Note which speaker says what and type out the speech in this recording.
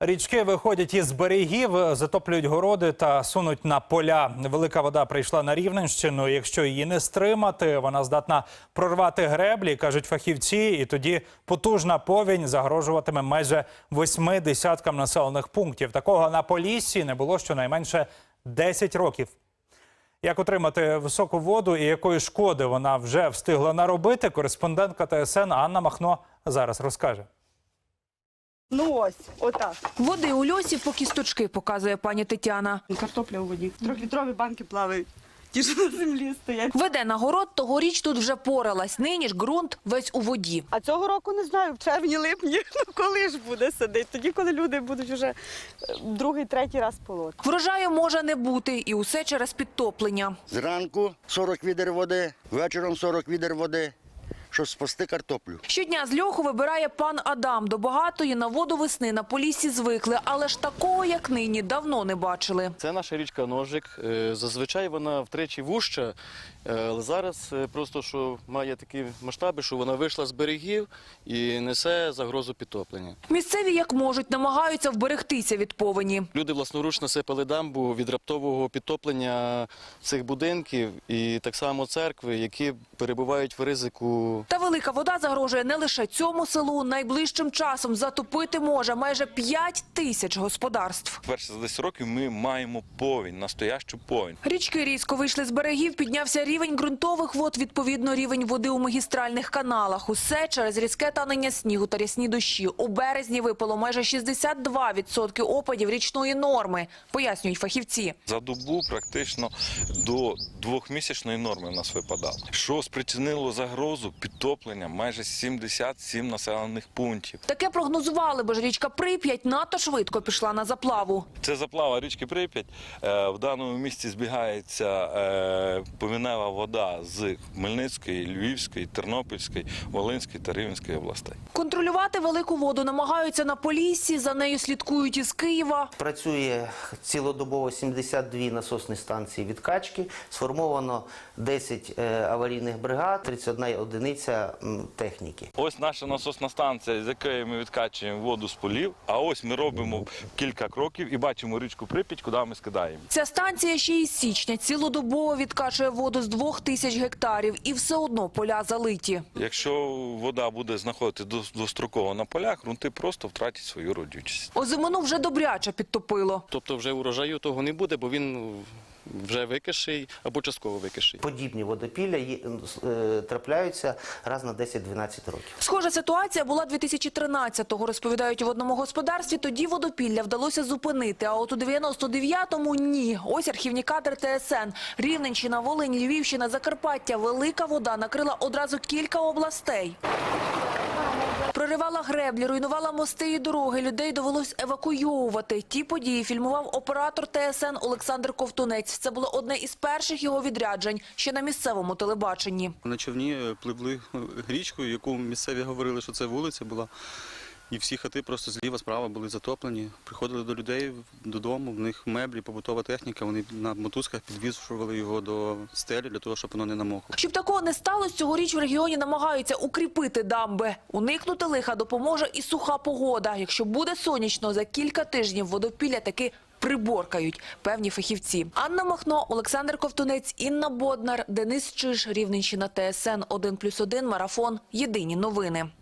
Speaker 1: Річки виходять із берегів, затоплюють городи та сунуть на поля. Велика вода прийшла на Рівненщину. Якщо її не стримати, вона здатна прорвати греблі, кажуть фахівці. І тоді потужна повінь загрожуватиме майже 8 десяткам населених пунктів. Такого на Поліссі не було щонайменше 10 років. Як отримати високу воду і якої шкоди вона вже встигла наробити, кореспондентка ТСН Анна Махно зараз розкаже.
Speaker 2: Ну ось, отак.
Speaker 3: Води у льосі по кісточки, показує пані Тетяна.
Speaker 2: Картопля у воді. Трьохлітрові банки плавають. Ті, що на землі стоять.
Speaker 3: Веде на город, тогоріч тут вже поралась. Нині ж ґрунт весь у воді.
Speaker 2: А цього року не знаю, в червні-липні, ну коли ж буде садити. Тоді, коли люди будуть вже другий, третій раз полоти.
Speaker 3: Врожаю може не бути, і усе через підтоплення.
Speaker 4: Зранку 40 відер води, вечором 40 відер води, щоб спасти картоплю.
Speaker 3: Щодня з льоху вибирає пан Адам. До багатої на воду весни на Поліссі звикли, але ж такого, як нині, давно не бачили.
Speaker 5: Це наша річка Ножик. Зазвичай вона втричі вужча, але зараз просто що має такі масштаби, що вона вийшла з берегів і несе загрозу підтоплення.
Speaker 3: Місцеві як можуть намагаються вберегтися від повені.
Speaker 5: Люди власноруч насипали дамбу від раптового підтоплення цих будинків і так само церкви, які перебувають в ризику.
Speaker 3: Та велика вода загрожує не лише цьому селу. Найближчим часом затопити може майже 5 тисяч господарств.
Speaker 6: Перше за 10 років ми маємо повінь, настоящу повінь.
Speaker 3: Річки різко вийшли з берегів, піднявся рівень ґрунтових вод, відповідно рівень води у магістральних каналах. Усе через різке танення снігу та рясні дощі. У березні випало майже 62% опадів річної норми, пояснюють фахівці.
Speaker 6: За добу практично до 2-місячної норми в нас випадало. Що спричинило загрозу підтоплення майже 77 населених пунктів.
Speaker 3: Таке прогнозували, бо ж річка Прип'ять надто швидко пішла на заплаву.
Speaker 6: Це заплава річки Прип'ять. В даному місці збігається повінева вода з Хмельницької, Львівської, Тернопільської, Волинської та Рівненської областей.
Speaker 3: Контролювати велику воду намагаються на Поліссі, за нею слідкують із Києва.
Speaker 7: Працює цілодобово 72 насосні станції відкачки, сформовано 10 аварійних бригад, 31 одиниця техніки.
Speaker 6: Ось наша насосна станція, з якої ми відкачуємо воду з полів, а ось ми робимо кілька кроків і бачимо річку Прип'ять, куди ми скидаємо.
Speaker 3: Ця станція ще із січня цілодобово відкачує воду з 2000 гектарів і все одно поля залиті.
Speaker 6: Якщо вода буде знаходитися достроково на полях, ґрунти просто втратять свою родючість.
Speaker 3: Озимину вже добряче підтопило.
Speaker 5: Тобто вже урожаю того не буде, бо він вже викиший або частково викиший.
Speaker 7: Подібні водопілля трапляються раз на 10-12 років.
Speaker 3: Схожа ситуація була 2013-го, розповідають в одному господарстві. Тоді водопілля вдалося зупинити, а от у 99-му – ні. Ось архівні кадри ТСН. Рівненщина, Волинь, Львівщина, Закарпаття. Велика вода накрила одразу кілька областей. Проривала греблі, руйнувала мости і дороги. Людей довелось евакуйовувати. Ті події фільмував оператор ТСН Олександр Ковтунець. Це було одне із перших його відряджень ще на місцевому телебаченні.
Speaker 8: На човні пливли річкою, яку місцеві говорили, що це вулиця була. І всі хати просто зліва, справа були затоплені. Приходили до людей додому, в них меблі, побутова техніка. Вони на мотузках підвішували його до стелі для того, щоб воно не намокло.
Speaker 3: Щоб такого не сталося, цьогоріч в регіоні намагаються укріпити дамби. Уникнути лиха допоможе і суха погода. Якщо буде сонячно, за кілька тижнів водопілля таки приборкають певні фахівці. Анна Махно, Олександр Ковтунець, Інна Боднар, Денис Чиж, Рівненщина, ТСН 1+1, Марафон. Єдині новини.